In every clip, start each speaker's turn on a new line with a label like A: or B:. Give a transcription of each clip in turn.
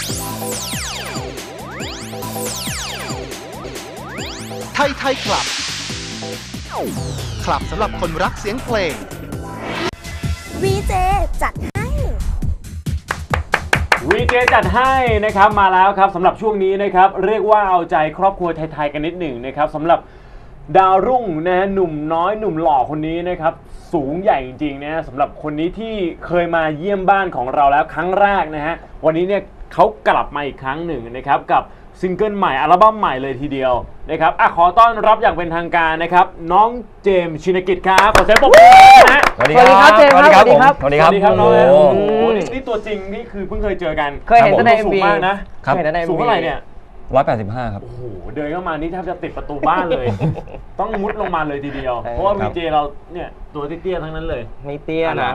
A: ไทยคลับคลับสำหรับคนรักเสียงเพลง
B: VJ จัดให้
C: VJ จัดให้นะครับมาแล้วครับสำหรับช่วงนี้นะครับเรียกว่าเอาใจครอบครัวไทยๆกันนิดหนึ่งนะครับสำหรับดาวรุ่งนะฮะหนุ่มน้อยหนุ่มหล่อคนนี้นะครับสูงใหญ่จริงๆนะสำหรับคนนี้ที่เคยมาเยี่ยมบ้านของเราแล้วครั้งแรกนะฮะวันนี้เนี่ยเขากลับมาอีกครั้งหนึ่งนะครับกับซิงเกิลใหม่อัลบั้มใหม่เลยทีเดียวนะครับขอต้อนรับอย่างเป็นทางการนะครับน้องเจมส์ชินกิจครับขอเสียงปรบมือนะฮะ
D: สวัสดีครับเจมส์ครับสวัสดีครับ
C: สวัสดีครับน้อง
D: โอ้
C: โอ้โหนี่ตัวจริงนี่คือเพิ่งเคยเจอกัน
E: เคยเห็นแต่ใน
C: สูง
E: MV
C: มากนะ
E: เคยเห็นแต่ใน
C: สูง
E: MV
C: เท่าไหร่เนี่ย
D: 185 ครับ
C: โอ้โหเดินเข้ามานี่แทบจะติดประตูบ้านเลย ต้องมุดลงมาเลยทีเดียว เพราะว่า
D: ครั
C: วี
D: บ
C: เจเราเนี่ยตัวเตี้ยๆทั้งนั้นเลย
E: ไม่เตี้ยนะ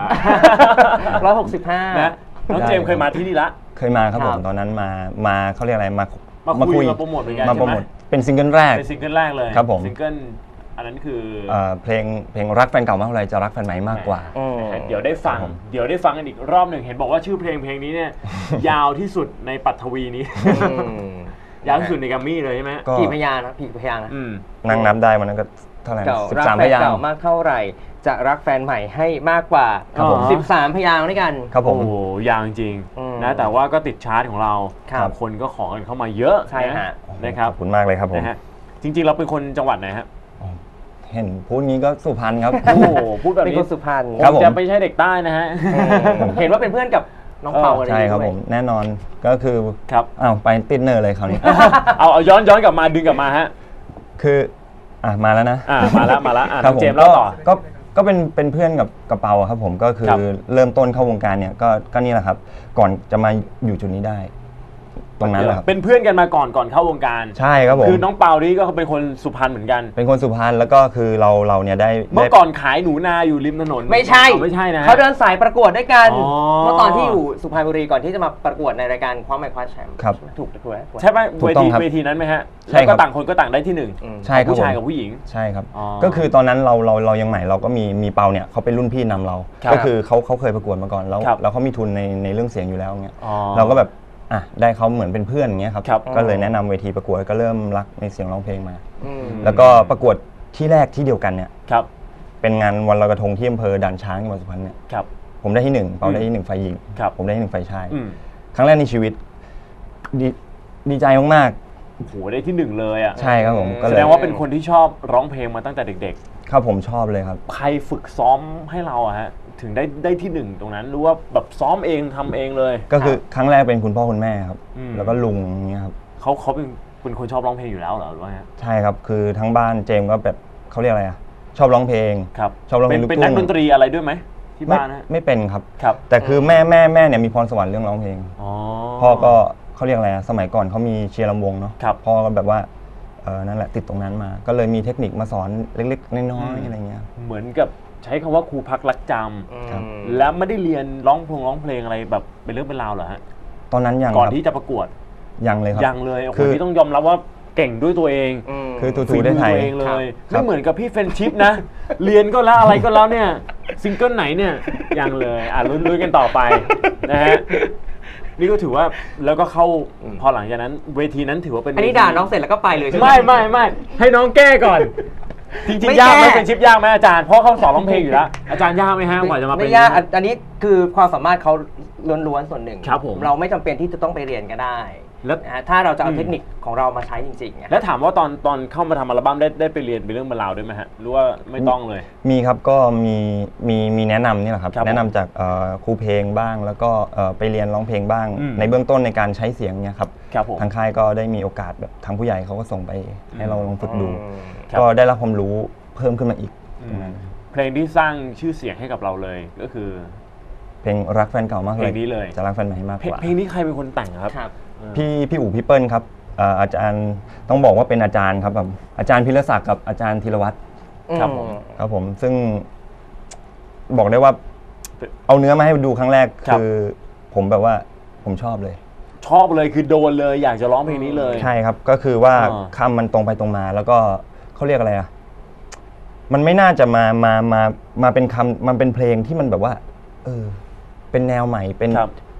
C: 165 นะน้องเจมส์เคยมาที่นี่ละ
D: เคยมาครับผม
E: ครับ
D: ตอนนั้นมาเขาเรียกอะไรมา
C: มาคุยมาโปรโมทเหมือนกัน
D: มาโปร
C: ใช่
D: โม
C: ไหม
D: ทเป็นซิงเกิลแรก
C: เป็นซิงเกิลแรกเลย
D: ครับผม
C: ซิงเกิลอันนั้นคือ
D: เพลงรักแฟนเก่ามากเท่าไรจะรักแฟนใหม่มากกว่า
C: เดี๋ยวได้ฟัง
D: ครับผม
C: เดี๋ยวได้ฟังกันอีกรอบหนึ่งเห็นบอกว่าชื่อเพลงนี้เนี่ย ยาวที่สุดในปัทวีนี้ ยาวที่สุดในกัมมี่เลยใช่ไหม
D: ก็
E: กี่พยางค์นะกี่พยางค์นะ
C: อืม
D: นั่งนับได้มันนั้นก็เท่าไหร่
E: เก่ารัก
D: 13
E: แฟ
D: พ
E: น
D: ยาง
E: เก่า
D: ค์
E: มากเท่าไหร่ จะรักแฟนใหม่ให้มากกว่า
D: ครับผม
E: 13 พยางค์ด้วยกัน
D: ครับผม
C: โอ้โหยาวจริง
E: อืม
C: นะแต่ว่าก็ติดชาร์ตของเรา
E: ครับ
C: คนก็ขอกันเข้ามาเยอะ
E: ใช่ฮะ
C: นะครับ
D: ขอบคุณมากเลยครับผม
C: นะฮะจริงๆเราเป็นคนจังหวัดไหนฮะ
D: เห็นพูดงี้ก็สุพรรณครับ
C: โอ้โหพูดแบบ
E: เป็น
C: นี้
E: คนสุพรรณ
D: ครับผม
C: จะไม่ใช่เด็กใต้นะฮะ
E: เห็นว่าเป็นเพื่อนกับน้องเปาอะไร
D: ใช่ครับ
E: ด้วย
D: ผมแน่นอนก็คือ
C: ครับ
D: อ้าวไปติดเนอร์เลยคราวนี้
C: เอาย้อนกลับมาดึงกลับมาฮะ
D: คือมาแล้วนะ
C: มาแล้วน้
D: ครั
C: อบ ง
D: ผม
C: เจมส์เล่าต่อ
D: ก็เป็นเพื่อนกับกระเป๋าครับผมก็คือ
C: ครับ
D: เริ่มต้นเข้าวงการเนี่ยก็นี่แหละครับ ก่อนจะมาอยู่จุดนี้ได้ ตรงนั้นแหละครับ
C: เป็นเพื่อนกันมาก่อนเข้าวงการ
D: ใช่ครับผม
C: คือน้องเปานี่ก็เป็นคนสุพรรณเหมือนกัน
D: เป็นคนสุพรรณแล้วก็คือเราเนี่ยได้
C: เมื่อก่อนขายหนูนาอยู่ริมถนน
E: ไม่ใช่
C: ไม่ใช่นะฮะ
E: เขาเดินสายประกวดด้วยกัน
C: อ๋อ
E: เมื่อตอนที่อยู่สุพรรณบุรีก่อนที่จะมาประกวดในรายการคว้าไมค์คว้าแชมป์
D: ครับ
E: ถูกถูกไหม
C: ใช่ไหม
D: ถูกต้องครับ
C: เวทีนั้นไหมฮะ
D: ใช่
C: แล้ว
D: ครั
C: ก็
D: บ
C: ต่างคนก็ต่างได้ที่หนึ่ง
D: ใช่ครับ
C: ผู้ชาย
D: ผม
C: กับผู้หญิง
D: ใช่ครับ
C: อ๋อ
D: ก็คือตอนนั้นเรายังใหม่เราก็มีเปาเนี่ยเขาเป็นรุ่นพี่นำเรา
C: ครับ
D: ก็คือเขาเคยประกวดมาก่อนแล้ว
C: ครับ
D: แล้วเขามีทุนในเรื่องเสียงอยู่แล้วเงี้ย
C: อ๋อ
D: เราก็แบบได้เขาเหมือนเป็นเพื่อนอย่างเงี้ยครับ
C: ครับ
D: ก็เลยแนะนำเวทีประกวดก็เริ่มรักในเสียงร้องเพลงมา
E: อืม
D: แล้วก็ประกวดที่แรกที่เดียวกันเนี่ย
C: ครับ
D: เป็นงานวันลอยกระทงที่อำเภอด่านช้างจังหวัดสุพรรณเนี่ย
C: ครับ
D: ผมได้ที่หนึ่งเปาได้ที่หนึ่งฝ่ายหญิง
C: ครับ
D: ผมได้ที่หนึ่งฝ่ายชาย
C: อืม
D: ครั้งแรกในชีวิตดีใจมาก
C: โอ้โหได้ที่หนึ่งเลยอ่ะ
D: ๆใช่ครับผมก็
C: แส
D: เลย
C: ดงว่าเป็นคนที่ชอบร้องเพลงมาตั้งแต่เด็ก
D: ครับผมชอบเลยครับ
C: ๆ ใครฝึกซ้อมให้เราอะฮะถึงได้ที่หนึ่งตรงนั้นหรู้ว่าแบบซ้อมเองทำเองเลย
D: ก็คือครั้งแรกเป็นคุณพ่อคุณแม่ครับ
C: อืม
D: แล้วก็ลุงอย่างเงี้ยครับ
C: เขาเป็นคนชอบร้องเพลงอยู่แล้วเหรอหรือว่าไง
D: ใช่ครับคือทั้งบ้านเจมส์ก็แบบเขาเรียกอะไรชอบร้องเพลง
C: ครับ
D: ชอบร้องเพลงลูก
C: เป็น
D: ทุ่
C: นัก
D: ง
C: ดนตรีอะไรด้วยไหมที่บ้านฮะ
D: ไม่เป็นครับ
C: ครับ
D: แต่คือแม่เนี่ยมีพรสวรรค์เรื่องร้องเพลง
C: อ๋อ
D: พ่อก็เขาเรียกอะไรสมัยก่อนเขามีเชียร์ลำวงเนาะ
C: ครับ
D: พ่อก็แบบว่านั่นแหละติดตรงนั้นมา ก็เลยมีเทคนิคมาสอนเล็กๆน้อยๆอะไรเงี้ย
C: เหมือนกับใช้คำว่าครูพักรักจ
D: ครับ
C: ำแล้วไม่ได้เรียนร้องเพลงอะไรแบบเป็นเรื่องเป็นราวเหรอฮะ
D: ตอนนั้นยัง
C: ก่อน
D: ครับ
C: ที่จะประกวด
D: ยังเลยครับ
C: ยังเลยโอ้โห
D: คือ
C: ที่ต้องยอมรับว่าเก่งด้วยตัวเอง
D: คือทู
C: ฝี
D: ได้
C: มือ
D: ไทย
C: ตัวเองเลย
D: ครั
C: ไม่
D: บ
C: เหมือนกับพี่เฟรนชิพนะ เรียนก็แล้วอะไรก็แล้วเนี่ยซิงเกิลไหนเนี่ยยังเลยลุ้นกันต่อไปนะฮะนี่ก็ถือว่าแล้วก็เข้าพอหลังจากนั้นเวทีนั้นถือว่าเป็น
E: อันนี้ด่าน้องเสร็จแล้วก็ไปเลยใช่ไหม
C: ไม่ให้น้องแก้ก่อน จริง
E: ไม่
C: ๆยากไหม
E: แก้
C: เป็นชิปยากไหมอาจารย์เพราะเขาสอนร้องเพลงอยู่แล้วอาจารย์ยากไหมฮะกว่าจะมาเป็น
E: ไม่ยากอันนี้คือความสามารถเขาล้วนๆส่วนหนึ่ง
C: ครับผม
E: เราไม่จำเป็นที่จะต้องไปเรียนก็ได้
C: แล้ว
E: นะฮะถ้าเราจะเอาเทคนิคของเรามาใช้จริงๆเนี่ย
C: แล้วถามว่าตอนเข้ามาทำอัลบั้มได้ไปเรียนเป็นเรื่องเป็นราวด้วยไหมฮะหรือว่าไม่ต้องเลย
D: มีครับก็มีแนะนำนี่แหละครับ
C: ครับ
D: แนะนำจากครูเพลงบ้าง แล้วก็ไปเรียนร้องเพลงบ้าง
C: อืม
D: ในเบื้องต้นในการใช้เสียงเนี่ยครับ
C: ครับผม
D: ทางค่ายก็ได้มีโอกาสแบบทางผู้ใหญ่เขาก็ส่งไปให้เราลองฝึกดู
C: ครับ
D: ก็ได้รับความรู้เพิ่มขึ้นมาอีกตรงนั้น
C: เพลงที่สร้างชื่อเสียงให้กับเราเลยก็คือ
D: เพลงรักแฟนเก่ามากเลย
C: เพลงนี้เลย
D: จะรักแฟนใหม่ให้มากกว่า
C: เพลงนี้ใครเป็นคนแต่งครับ
E: ครับ
D: พี่อู๋พี่เปิ้ลครับอาจารย์ต้องบอกว่าเป็นอาจารย์ครับแบบอาจารย์พิรศักดิ์กับอาจารย์ธีรวัตร
C: ครับผม
D: ครับผมซึ่งบอกได้ว่าเอาเนื้อมาให้ดูครั้งแรก
C: ครับ
D: คือผมแบบว่าผมชอบเลย
C: ชอบเลยคือโดนเลยอยากจะร้องเพลงนี้เลย
D: ใช่ครับก็คือว่า
C: อ่า
D: คำมันตรงไปตรงมา แล้วก็เขาเรียกอะไรอ่ะมันไม่น่าจะมาเป็นคำมันเป็นเพลงที่มันแบบว่าเป็นแนวใหม่เป็น
C: ครับ
D: พ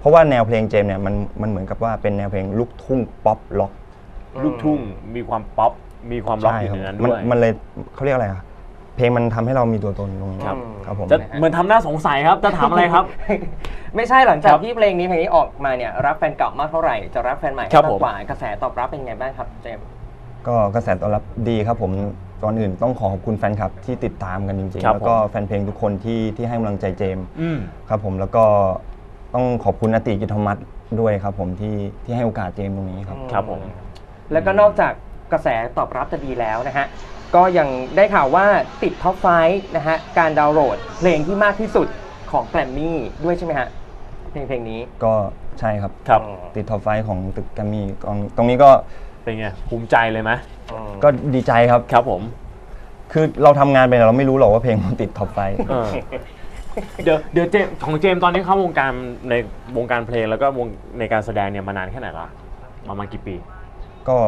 D: ราะว่าแนวเพลงเจมส์เนี่ยมันเหมือนกับว่าเป็นแนวเพลงลูกทุ่งป๊อปล็อก
C: ลูกทุ่งมีความป๊อปมีความล็อก
D: ใช่
C: อยู่
D: ครับ
C: ในนั้น
D: มัน
C: ด้วย
D: มันเลยเขาเรียกอะไรอะเพลงมันทำให้เรามีตัวตนตรงนี้
C: ครับ
D: ครับผม
C: จะเหมือนทำหน้าสงสัยครับจะถามอะไรครับ
E: ไม่ใช่หลังจา
C: ค
E: ก
C: รับ
E: ที่เพลงนี้ออกมาเนี่ยรับแฟนเก่ามากเท่าไหร่จะรับแฟนใหม่
C: ครับ
E: มาก
C: ผม
E: กว่ากระแสตอบรับเป็นไงบ้างครับเจมส์
D: ก็กระแสตอบรับดีครับผมก่อนอื่นต้องขอบคุณแฟนคลับที่ติดตามกันจริง
C: ครั
D: ๆ
C: บ
D: แล้วก็แฟนเพลงทุกคนที่ให้กำลังใจเจมส์
C: อืม
D: ครับผมแล้วก็ต้องขอบคุณอติกิตธรรมัสด้วยครับผมที่ให้โอกาสเจมส์ตรงนี้ครับ
C: ครับผม
E: แล้วก็นอกจากกระแสตอบรับจะดีแล้วนะฮะก็ยังได้ข่าวว่าติดท็อป5นะฮะการดาวน์โหลดเพลงที่มากที่สุดของแกรมมี่ด้วยใช่ไหมฮะเพลงนี้
D: ก็ใช่ครับ
C: ครับ
D: ติดท็อปไฟของตึกแกรมมี่ตรงนี้ก็
C: เป็นไงภูมิใจเลยไหม
D: ก็ดีใจครับ
C: ครับผม
D: คือเราทำงานไปเนี่ยเราไม่รู้หรอกว่าเพลงมันติดท็อปไฟ
C: เออเดี๋ยวเจมส์ของเจมส์ตอนนี้เข้าวงการในวงการเพลงแล้วก็วงในการแสดงเนี่ยมานานแค่ไหนละประมาณกี่ปี
D: ก็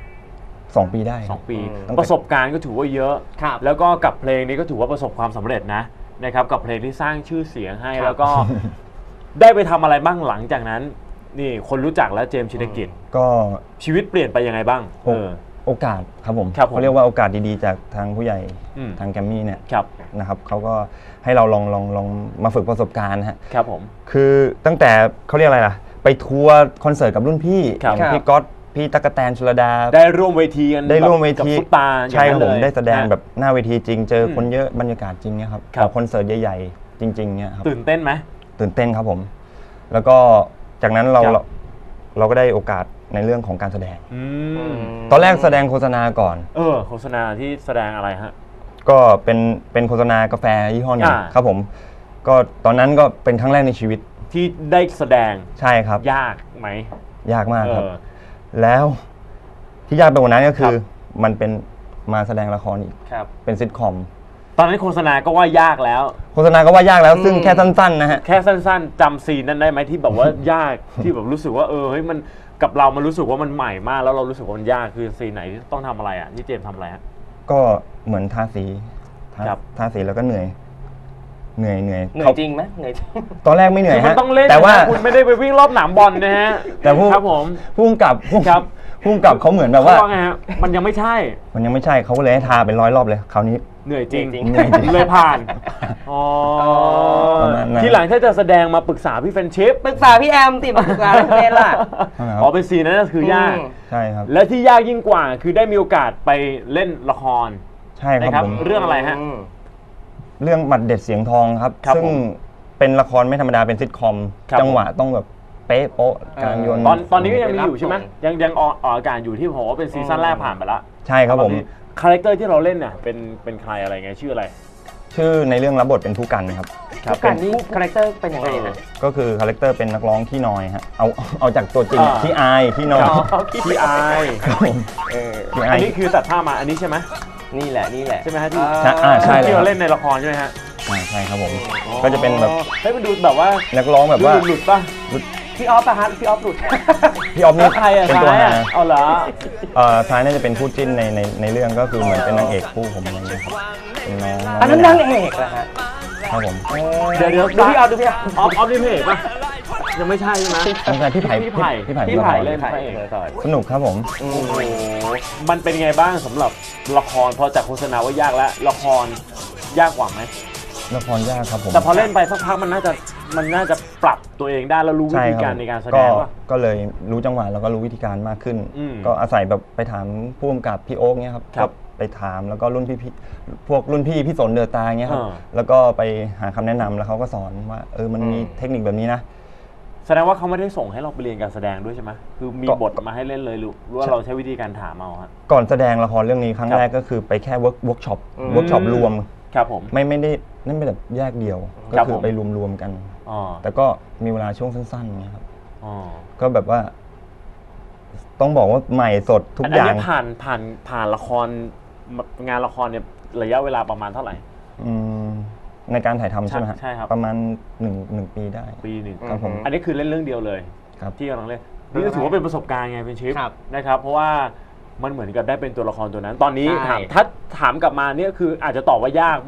D: 2 ปีได้
C: 2 ปี
D: ตั้งแต่
C: ประสบการณ์ก็ถือว่าเยอะ
E: ครับ
C: แล้วก็กับเพลงนี้ก็ถือว่าประสบความสำเร็จนะครับกับเพลงที่สร้างชื่อเสียงให้
E: ครับ
C: แล้วก็ ได้ไปทำอะไรบ้างหลังจากนั้น นี่คนรู้จักแล้วเจมส์ชินกิจ
D: ก็
C: ชีวิตเปลี่ยนไปยังไงบ้าง
D: โอกาสครับผม
C: ครับผม
D: เขาเรียกว่าโอกาสดีๆจากทางผู้ใหญ่
C: อืม
D: ทางแกรมมี่เนี่ย
C: ครับ
D: นะครับเขาก็ให้เราลองมาฝึกประสบการณ์ฮะ
C: ครับผม
D: คือตั้งแต่เขาเรียกอะไรล่ะ ไปทัวร์คอนเสิร์ตกับรุ่นพี่
C: ครับ
D: อย่างพี่ก๊อตพี่ตั๊กแตนชลดา
C: ได้ร่วมเวทีกัน
D: ได้ร่วมเว
C: กับ
D: ที
C: ซุปตาอย่าง
D: ใช่ครับ
C: นั้น
D: ผม
C: เลย
D: ได้แสดง
C: นะ
D: แบบหน้าเวทีจริงเจอคนเยอะบรรยากาศจริงเนี่ยครับ
C: ครับ
D: กับคอนเสิร์ตใหญ่ๆ จริงๆเนี่ยครับ
C: ตื่นเต้นไหม
D: ตื่นเต้นครับผม แล้วก็จากนั้นเรา
C: ครับ
D: เราก็ได้โอกาสในเรื่องของการแสดง
C: อืม
D: ตอนแรกแสดงโฆษณาก่อน
C: โฆษณาที่แสดงอะไรฮะ
D: ก็เป็นโฆษณากาแฟยี่ห้อหนึ่ง
C: อ่า
D: ครับผม ก็ตอนนั้นก็เป็นครั้งแรกในชีวิต
C: ที่ได้แสดง
D: ใช่ครับ
C: ยากไหม
D: ยากมากครับ
C: เออ
D: แล้วที่ยากไปกว่านั้นก็คือ
C: ครับ
D: มันเป็นมาแสดงละครอีก
E: ครับ
D: เป็นซิทคอม
C: ตอนนั้นโฆษณาก็ว่ายากแล้ว
D: โฆษณาก็ว่ายากแล้วซึ่งแค่สั้นๆนะฮะ
C: แค่สั้นๆจำซีนนั้นได้ไหมที่แบบว่ายาก ที่แบบรู้สึกว่าเฮ้ยมันกับเรามันรู้สึกว่ามันใหม่มากแล้วเรารู้สึกว่ามันยากคือซีนไหนที่ต้องทำอะไรอ่ะที่เจมส์ทำอะไรฮะ
D: ก็เหมือนทาสี
C: ครับ
D: ทาสีแล้วก็เหนื่อย
E: เหนื่อย
D: เขา
E: จริงไหมเหนื่อยจริง
D: ตอนแรกไม่เหนื่อย
C: คือมัน
D: ฮะ
C: ต้องเล่น
D: แต่ว่า
C: นะคุณไม่ได้ไปวิ่งรอบหนามบอลนะฮะ
D: แต่ผู้
C: ครับผม
D: พุ่งกับ
C: ครับ
D: พุ่งกับเขาเหมือนแบบ
C: เขา
D: ว่า
C: ว่าไงฮะมันยังไม่ใช่
D: มันยังไม่ใช่เขาก็เลยให้ทาเป็น100 รอบเลยคราวนี้
C: เหนื่อยจริง
D: เหนื่อยจริง
C: เลยผ่านอ๋อ
D: ประมาณนั้น
C: ทีหลังถ้าจะแสดงมาปรึกษาพี่เฟรนชิป
E: ปรึกษาพี่แอมติมาปรึกษาอะไรเป็นล่ะ
C: อ๋อเป็นซีนนั้นก็คือยาก
D: ใช่ครับ
C: และที่ยากยิ่งกว่าคือได้มีโอกาสไปเล่นละคร
D: ใช่ครับ
C: นะครับ
D: ผม
C: เรื่องอะไรฮะ
D: เรื่องหมัดเด็ดเสียงทองครับ
C: ครับ
D: ซึ่ง
C: ผม
D: เป็นละครไม่ธรรมดาเป็นซิทคอม
C: ครับ
D: จังหวะต้องแบบเป๊ะโป๊ะการโยน
C: ตอนนี้ก็ยังมีอยู่ใช่ไหม
E: รับส่
C: ยังออกอากาศอยู่ที่ผมว่าเป็นซีซั่นแรกผ่านไปแล้ว
D: ใช่ครับผม
C: คาแรคเตอร์ที่เราเล่นเนี่ยเป็นใครอะไรไงชื่ออะไร
D: ชื่อในเรื่องรับบทเป็นผู้กันครับ
E: ทุกการนี่คาแรคเตอร์เป็นยังไงฮะ
D: ก็คือคาแรคเตอร์เป็นนักร้องขี้นอยฮะเอาจากตัวจริง
C: อ่า
D: ขี้อายขี้นอย
C: พี่อาย
D: ครับผม ขี้อา
C: อั
D: ย
C: นนี้คือตัดผ้ามาอันนี้ใช่ไหม
E: นี่แหละนี่แหละ
C: ใช่ไหมฮะที่
D: ใช่เลย
C: ที่
D: ครั
C: เรา
D: บ
C: เล่นในละครใช่ไหมฮะ
D: ใช่ครับผม ก็จะเป็นแบบ
C: เฮ้ยมันดูแบบว่า
D: นักร้องแบบว่า
C: หลุดป่ะ
E: พี่ออฟปะฮะพี่ออฟหลุด
D: พี่ออฟนี่
C: ใครอะ
D: เป็นตัว
C: ท้าย
D: หา
C: อะเอาเหรอ
D: ท้ายน่าจะเป็นคู่จิ้นในเรื่องก็คือเหมือนเป็นนางเอกคู่ผมอะไรอย่างเงี้ยครับเป็นน้อง
E: อันนั้นนางเอกเหรอฮะ
D: ครับผม
C: เดี๋ยว
E: ดูพี่ออฟดูพี่ออฟ
C: ออฟนี่เพจป่ะยังไม่ใช่ใช่ไหม
D: ไม่ใช่พี่ไผ่
C: พี่ไผ่
D: พี่ไผ่
C: พี่ไผ่
D: พี่
C: เล่น
D: ไผ่
C: พระเอก
D: สนุกครับผม
C: โอ้โหมันเป็นไงบ้างสำหรับละครพอจากโฆษณาว่ายากแล้วละครยากกว่าไหม
D: ละครยากครับผม
C: แต่พอเล่นไปสักพักมันน่าจะปรับตัวเองได้แล้วรู้วิ
D: ใช่
C: ธี
D: ครับ
C: การในการแสด
D: ก็
C: งว่า
D: ก็เลยรู้จังหวะแล้วก็รู้วิธีการมากขึ้น
C: อืม
D: ก็อาศัยแบบไปถามผู้กำกับพี่โอ๊กเนี้ยครับ
C: ครับ
D: ก็ไปถามแล้วก็รุ่นพี่พวกรุ่นพี่พี่สนเดือตาเงี้ยครับ
C: อ่า
D: แล้วก็ไปหาคำแนะนำแล้วเขาก็สอนว่ามันมีเทคนิคแบบนี้นะ
C: แสดงว่าเขาไม่ได้ส่งให้เราไปเรียนการแสดงด้วยใช่ไหมคือมี
D: ก็
C: บทมาให้เล่นเลยหรือว่าเราใช้วิธีการถามเอาฮะ
D: ก่อนแสดงละครเรื่องนี้ครั้ง
C: ครับ
D: แรกก็คือไปแค่เวิร์กช็อปรวม
C: ครับผม
D: ไม่ได้นั่นเป็นแบบแยกเดียว ก็
C: ครับ
D: คือ
C: ผม
D: ไปรวมๆกัน
C: อ๋อ
D: แต่ก็มีเวลาช่วงสั้นๆเงี้ยครับ
C: อ๋อ
D: ก็แบบว่า ต้องบอกว่าใหม่สดทุก
C: อัน
D: อย่าง
C: นี้ผ่านละครงานละครเนี่ยระยะเวลาประมาณเท่าไหร่
D: อืมในการถ่ายทำใช่ไหมฮะ
C: ใช่ครับ
D: ประมาณหนึ่งปีได้
C: ปีหนึ่ง
D: ครับผม
C: อันนี้คือเล่นเรื่องเดียวเลย
D: ครับ
C: ที่กำลังเล่นนี่ก็ถือว่าเป็นประสบการณ์ไงเป็นชิป
E: ครับ
C: นะครับเพราะว่ามันเหมือนกับได้เป็นตัวละครตัวนั้น ตอนนี้
E: ใช่
C: ถ้าถามกลับมาเนี่ยคืออาจจะต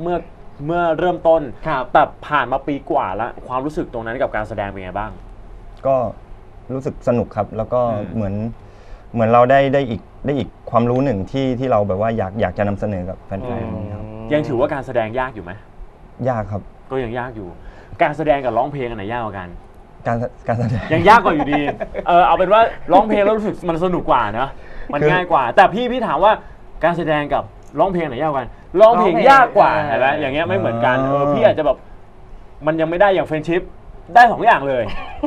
C: อบว่ายากเมื่อเริ่มต้น
E: ครับ
C: แต่ผ่านมาปีกว่าแล้วความรู้สึกตรงนั้นกับการแสดงเป็นไงบ้าง
D: ก็รู้สึกสนุกครับ แล้วก็
C: อืม
D: เหมือนเราได้อีกความรู้หนึ่งที่เราแบบว่าอยากจะนำเสนอกับแฟนๆครับ
C: ยังถือว่าการแสดงยากอยู่ไหม
D: ยากครับ
C: ก็ยังยากอยู่ การแสดงกับร้องเพลงอันไหนยากกว่ากัน
D: การแสดง
C: ยังยากกว่าอยู่ดี เอาเป็นว่าร้องเพลงแล้วรู้สึกมันสนุกกว่าเนอะมัน
D: คือ
C: ง่ายกว่า แต่พี่ถามว่าการแสดงกับร้องเพลงไหนยากกว่ากันร้องเพลงยากกว่าเห็นไหมอย่างเงี้ยไม่เหมือนกันพี่อาจจะแบบมันยังไม่ได้อย่างเฟรนชิพได้2อย่างเลย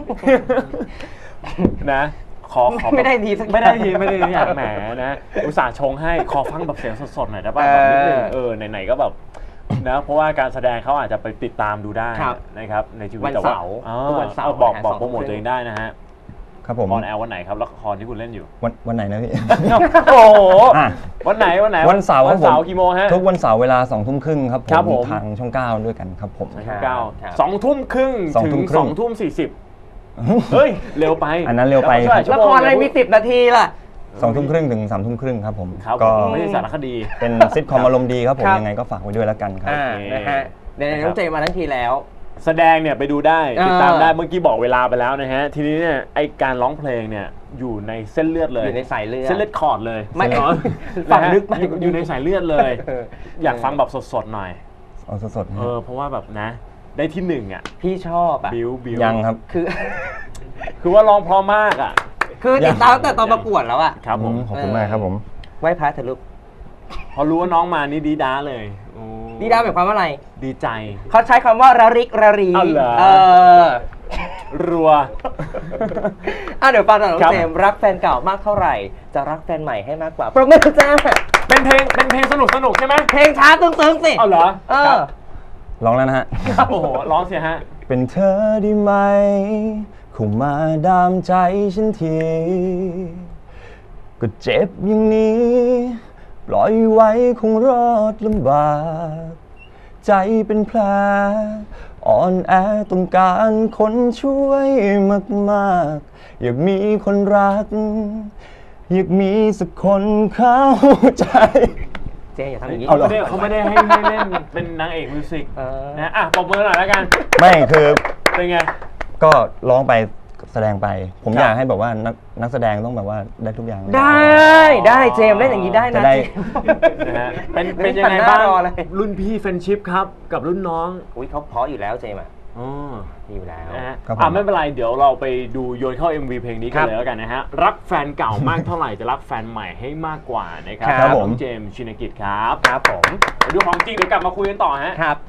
C: นะขอ
E: ไม่ได้ดีสัก
C: ไม่ได้ทีอย่างแหมนะอุตส่าห์ชงให้ขอฟังแบบเสียงสดๆหน่อยได้ป่ะแบบนิดนึงไหนๆก็แบบนะเพราะว่าการแสดงเขาอาจจะไปติดตามดูได้
E: ครับ
C: นะครับในชีวิต
E: วัน
C: แต่
E: เสาร์ ทุกวันเสาร์
C: บอก
E: นะฮะ
C: โปรโมท
E: 2
C: ตัวเองได้นะฮะ
D: ครับผม
C: ออนแอร์วันไหนครับละครที่คุณเล่นอยู่
D: วันไหนนะพี่
C: โอ้โห
D: อ่ะ
C: วันไหน
D: วันเสาร์
C: วันเสาร์กี่โมงฮะ
D: ทุกวันเสาร์เวลา20:30ครับ
C: ครับผม
D: ทางช่อง 9 ด้วยกันครับผม
C: ช่องเก้า
E: ครับ
C: 2:30
D: 2
C: ถึ
D: ทุ่
C: ง
D: มครึ่ง
C: 2:40เฮ้ยเร็วไป
D: อันนั้นเร็วไป
E: ละครอะไรมี10 นาทีล่ะ
D: 20:30 ถึง3:30ครับผม
C: ครับ
D: ก็
C: ไม่ใช่สารคดี
D: เป็นซิทคอมอารมณ์ดีครับผม
E: ครับ
D: ยังไงก็ฝากไว้ด้วยแล้วกันครับ
E: อ่านะฮะเดี๋ยวน้องเจมาทั้งทีแล้ว
C: แสดงเนี่ยไปดูได้ติดตาม
E: อ่า
C: ได้เมื่อกี้บอกเวลาไปแล้วนะฮะทีนี้เนี่ยไอการร้องเพลงเนี่ยอยู่ในเส้นเลือดเลย
E: อยู่ในสายเลือด
C: เส้นเลือดคอร์ดเลย
E: ไม่
C: อ๋อ
E: ฝังลึก
C: นะฮะอยู่ในสายเลือดเลย
E: เออ
C: อยากฟังแบบสดๆหน่อย
D: เอาสดๆนะ
C: เพราะว่าแบบนะ ได้ที่หนึ่งอ่ะ
E: พี่ชอบอ่ะ
C: บิว
D: ยังครับ
E: คือ
C: คือว่าร้องเพราะมากอ่ะ
E: คือติดตามตั้งแต่ตอนประกวดแล้วอ่ะ
C: ครับผม
D: ขอบคุณมากครับผม
E: ไหว้พระเถอะลูก
C: พอรู้ว่าน้องมานี่ดีด้าเลยโอ้
E: ดีดาหมายความว่าอะไร
C: ดีใจ
E: เขาใช้คำว่าระริกระรี
C: อ้าวเหรอ
E: อ
C: รัว
E: เดี๋ยวฟังหน่อยน้อง
C: ครับ
E: เจมส์รักแฟนเก่ามากเท่าไหร่ จะรักแฟนใหม่ให้มากกว่าประมือจ้า
C: เป็นเพลงสนุกใช่ไหม
E: เพลงช้าตึงๆสิ
C: เอาเหรอ
E: เอ
C: ครั
E: อบ
D: ร้องแล้วนะฮะ
C: โอ้โหร้องเสียฮะ
D: เป็นเธอได้ไหมเข้ามาดามใจฉันที ก็เจ็บอย่างนี้ ปล่อยไว้คงรอดลำบาก ใจเป็นแผลอ่อนแอต้องการคนช่วยมากๆ อยากมีคนรัก อยากมีสักคนเข้าใจ
E: เจมส์อย่าทำอย่างนี้
D: เอาเหรอ
C: เขาไม่ได้ให้เล่นเป็นนางเอกมิวสิก
E: เออ
C: นะปรบมือหน่อยแล้วกัน
D: ไม่คือ
C: เป็นไง
D: ก็ร้องไปแสดงไป ผม
C: ครับ
D: อยากให้แบบว่านักแสดงต้องแบบว่าได้ทุกอย่าง
E: ได้เจมส์เล่นอย่างนี้ได้
D: จะ
E: นะ
D: ได้
C: นะฮะเป็นยังไงบ้าง
E: รอเลย
C: รุ่นพี่เฟรนชิพครับกับรุ่นน้อง
E: อุ้ยเขาเพราะอยู่แล้วเจมส์อ่ะ
C: อ๋อ
E: ดีอยู่แล้ว
C: นะฮะ
D: ครับผม
C: ไม่เป็นไรเดี๋ยวเราไปดูโยนเข้า MV เพลงนี้
E: ค
C: กั
E: รั
C: น
E: บ
C: เลยแล้วกันนะฮะรักแฟนเก่ามากเท่าไหร่จะรักแฟนใหม่ให้มากกว่านะครับ
E: ครับ
C: น้
D: ผ
C: อง
D: ม
C: เจมส์ชินกิจครับ
E: ครับผม
C: ไปดูของจริงเดี๋ยวกลับมาคุยกันต่อฮะ
E: ครับ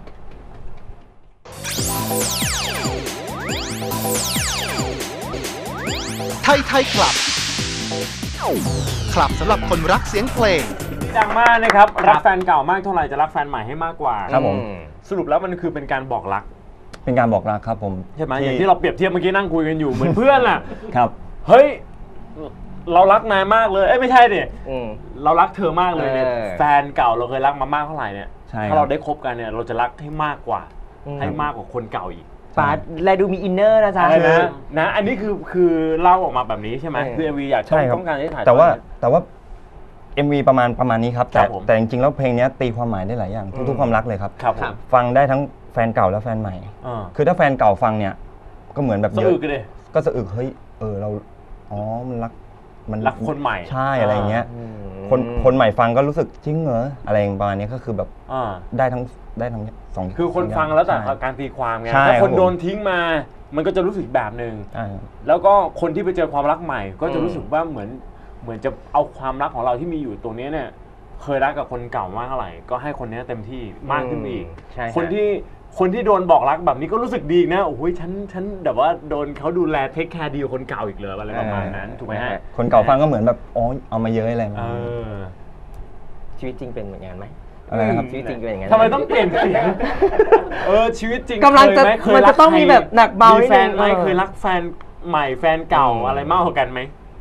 A: ไทยคลับ คลับสำหรับคนรักเสียงเพลง
C: ดังมากนะครับรักแฟนเก่ามากเท่าไหร่จะรักแฟนใหม่ให้มากกว่า
D: ครับผม
C: สรุปแล้วมันคือเป็นการบอกรัก
D: เป็นการบอกรักครับผม
C: ใช่ไหมอย่างที่เราเปรียบเทียบเมื่อกี้นั่งคุยกันอยู่เหมือนเพื่อนน่ะ
D: ครับ
C: เฮ้ยเรารักนายมากเลยไม่ใช่ดิ
E: อืม
C: เรารักเธอมากเลยเนี่ย
E: เออ
C: แฟนเก่าเราเคยรักมามากเท่าไหร่เนี่ย
D: ใช่ครับ
C: ถ้าเราได้คบกันเนี่ยเราจะรักให้มากกว่า
E: อืม
C: ให้มากกว่าคนเก่าอีก
E: ปาดแลดูมีอินเนอร์นะจ๊ะ
C: อะไรนะอันนี้คือเล่าออกมาแบบนี้ใช่ไหม
E: เออ
C: คือ MV อยาก
D: ใช่ครับ
C: ต้องการให้ถ่าย
D: แต่ว่า
C: ทอด
D: แต่ว่า MV ประมาณนี้ครับ
C: ครั
D: แต่
C: บผม
D: แต่จริงๆแล้วเพลงนี้ตีความหมายได้หลายอย่างทุกๆความรักเลยครับ
C: ครับผม
D: ฟังได้ทั้งแฟนเก่าและแฟนใหม่ คือถ้าแฟนเก่าฟังเนี่ยก็เหมือนแบบ
C: สะ
D: เย
C: อึ
D: อะ
C: กกันเลย
D: ก็สะอึกเฮ้ยเรามันรักมัน
C: รักคนใหม่
D: ใช่อะไรอย่างเงี้ย
E: อืม
D: คนใหม่ฟังก็รู้สึกจริงเหรออะไรอย่างประมาณนี้ก็คือแบบ
C: อ่า
D: ได้ทั้งสอง
C: คือคน
D: สย่า
C: ฟังแล้วแต่
D: ใช่
C: การตีความไง
D: ใช่
C: ถ้าคน
D: ครับผม
C: โดนทิ้งมา มันก็จะรู้สึกแบบหนึ่ง
D: ใช่
C: แล้วก็คนที่ไปเจอความรักใหม่ ก็จะรู้สึกว่าเหมือนจะเอาความรักของเราที่มีอยู่ตรงนี้เนี่ย เคยรักกับคนเก่ามากเท่าไหร่ก็ให้คนนี้เต็มที่มากขึ้นไปอีก
E: ใช่ฮะ
C: คนที่โดนบอกรักแบบนี้ก็รู้สึกดีอีกนะโอ้โหฉันแบบว่าโดนเขาดูแลเทคแคร์ดีกว่าคนเก่าอีกเลยอะไรประมาณนั้นถูกไหมฮะ
D: คนเก่าฟังก็เหมือนแบบเอามาเยอะอะไรมา
C: เออ
E: ชีวิตจริงเป็นเหมือนกันไหม
D: อะไรนะครับ
E: ชีวิตจริงเป็นอย่างนั้น
C: ทำไมต้องเปลี่ยนเสียงชีวิตจริง
E: กำลังจะ
C: เคยไห
E: มันจะต้องมีแบบหนักเบานิ
C: มี
E: ด
C: แฟ
E: นึ
C: น
E: ง
C: ไหมเคยรักแฟนใหม่แฟนเก่าอะไรมากกว่ากันไหม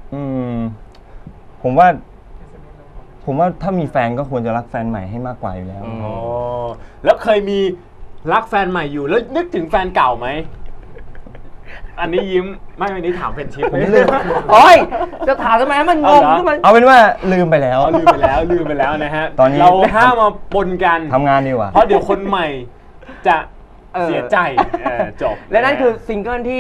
D: ผมว่าถ้ามีแฟนก็ควรจะรักแฟนใหม่ให้มากกว่าอยู่แล้ว
E: อืม
C: อ๋อแล้วเคยมีรักแฟนใหม่อยู่แล้วนึกถึงแฟนเก่าไหม อันนี้ยิ้มไม่อันนี้ถามเฟรนชิพ
D: ผมลืม
E: โอ้ยจะถามทำไมให้มันงงขึ้นมา
D: เอาเป็นว่าลืมไปแล้ว
C: ลืมไปแล้วนะฮะ
D: ตอนนี้
C: เราห้ามมาปนกัน
D: ทำงานดีกว่า
C: เพราะเดี๋ยวคนใหม่จะเสียใจจบ
E: และนั่นคือซิงเกิลที่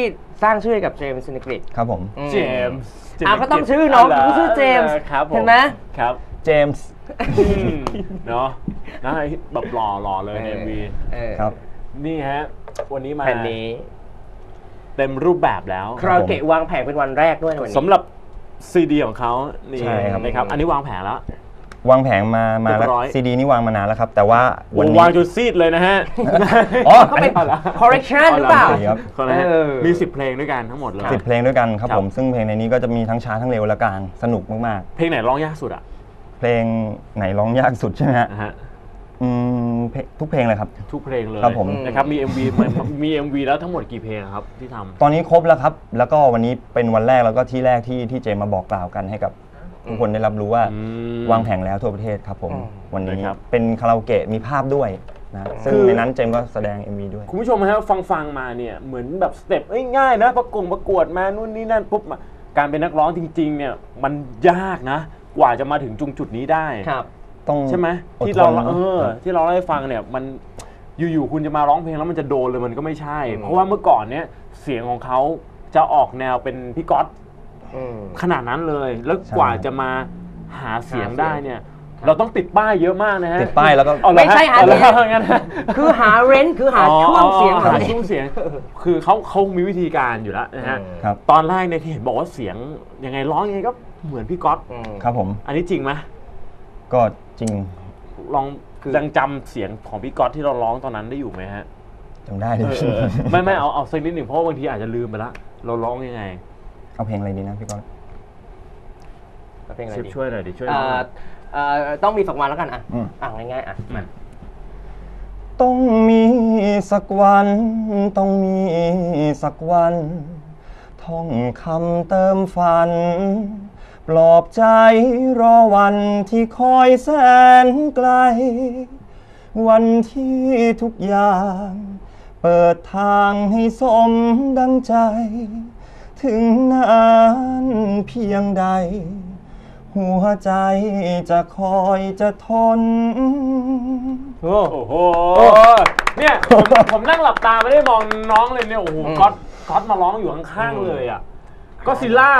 E: สร้างชื่อให้กับเจมส์ซินิกริด
D: ครับผม
C: เจมส์
E: ก็ต้องชื่อน้องต้องชื่อเจมส์
C: ครับผม
E: เห็นไหม
C: ครับ
D: เจมส์
C: เนาะนะแบบหล่อเลยใน MV
D: ครับ
C: นี่ฮะ วันนี้มา
E: แผ่นนี้
C: เต็มรูปแบบแล้ว
E: คาราโอเกะวางแผงเป็นวันแรกด้วยในวันนี้
C: สำหรับซีดีของเขานี่
D: ใช่ครับ
C: นะครับ อันนี้วางแผนแล้ว
D: วางแผงมาแล้ว
C: เรียบร้อย
D: ซีดีนี่วางมานานแล้วครับ แต่ว่าวัน
C: วาง
D: นี้
C: จนซีดเลยนะฮะ
D: อ๋อ
E: เขาเป็น correction หรือเปล่า
D: ครับ
C: เขานะฮะ
E: เออ
C: มี10 เพลงด้วยกันทั้งหมดเลย
D: 10 เพลงด้วยกันครับ
C: ครับ
D: ผมซึ่งเพลงในนี้ก็จะมีทั้งช้าทั้งเร็วและกลางสนุกมาก
C: เพลงไหนร้องยากสุดอ่ะ
D: ๆ เพลงไหนร้องยากสุดใช่ไหมฮะ
C: นะฮะ
D: ทุกเพลงเลยครับ
C: ทุกเพลงเลย
D: ครับผม
C: นะครับมี MV มี MV แล้วทั้งหมดกี่เพลงครับที่ทำ
D: ตอนนี้ครบแล้วครับ แล้วก็วันนี้เป็นวันแรกแล้วก็ที่แรกที่เจมมาบอกกล่าวกันให้กับทุกคนได้รับรู้ว่า
C: อืม
D: วางแผงแล้วทั่วประเทศครับผม
E: อืม
D: วันนี้
C: นะครับ
D: เป็นคาราโอเกะมีภาพด้วยนะซึ่ง
C: คือ
D: ในนั้นเจมก็แสดง MV ด้วย
C: คุณผู้ชมฮะฟังมาเนี่ยเหมือนแบบสเต็ปง่ายๆนะประกวดมานู่นนี่นั่นปุ๊บมาการเป็นนักร้องจริงๆเนี่ยมันยากนะ กว่าจะมาถึงจุดนี้ได้
E: ครับ
D: ต้อง
C: ใช่ไหม
D: อด
C: ที่
D: ท
C: เรา
D: นนะ
C: ที่เราได้ฟังเนี่ยมันอยู่ๆคุณจะมาร้องเพลงแล้วมันจะโดนเลยมันก็ไม่ใช่ เพราะว่าเมื่อก่อนเนี่ยเสียงของเขาจะออกแนวเป็นพี่ก๊อต
E: อืม
C: ขนาดนั้นเลย แล้วกว่าจะมาหาเสียงได้เนี่ย เราต้องติดป้ายเยอะมากนะฮะ
D: ติดป้ายแล้วก็
C: เอาเหรอ
E: ไม่ใช่หา
C: เอาเหรอ
E: เสียง
C: งั้น
E: คือหาเรนต์คือหาช่วงเสียง
C: หาช่วงเสียง คือเขามีวิธีการอยู่แล้วนะฮะ
D: ครับ
C: ตอนแรกเนี่ยที่เห็นบอกว่าเสียงยังไงร้องยังไงก็เหมือนพี่ก๊อต
D: ครับผม
C: อันนี้จริงไหม
D: ก็จริง
C: ลองยังจำเสียงของพี่ก๊อตที่เราร้องตอนนั้นได้อยู่ไหมฮะ
D: จำได้เลย
C: ไม่เอาสักนิดหนึ่งเพราะว่าบางทีอาจจะลืมไปละเราร้องยังไง
D: เอาเพลงอะไรดีนะพี่ก้อน
E: เพลงอะไร
C: ชิป
E: ดี
C: ช่วยหน่อยดิช่วยหน่อย
E: ต้องมีสักวันแล้วกันอ่ะ
D: อืม
E: ง่ายๆอ่ะมา
D: ต้องมีสักวัน ต้องมีสักวัน ท่องคำเติมฝัน ปลอบใจรอวันที่คอยแสนไกล วันที่ทุกอย่าง เปิดทางให้สมดังใจ ถึงนานเพียงใด หัวใจจะคอยจะทน
C: โอ้โหเนี่ยผมนั่งหลับตาไม่ได้มองน้องเลยเนี่ยโอ้โหก๊อตมาร้องอยู่ข้างๆเลยอ่ะก็ซิลล่า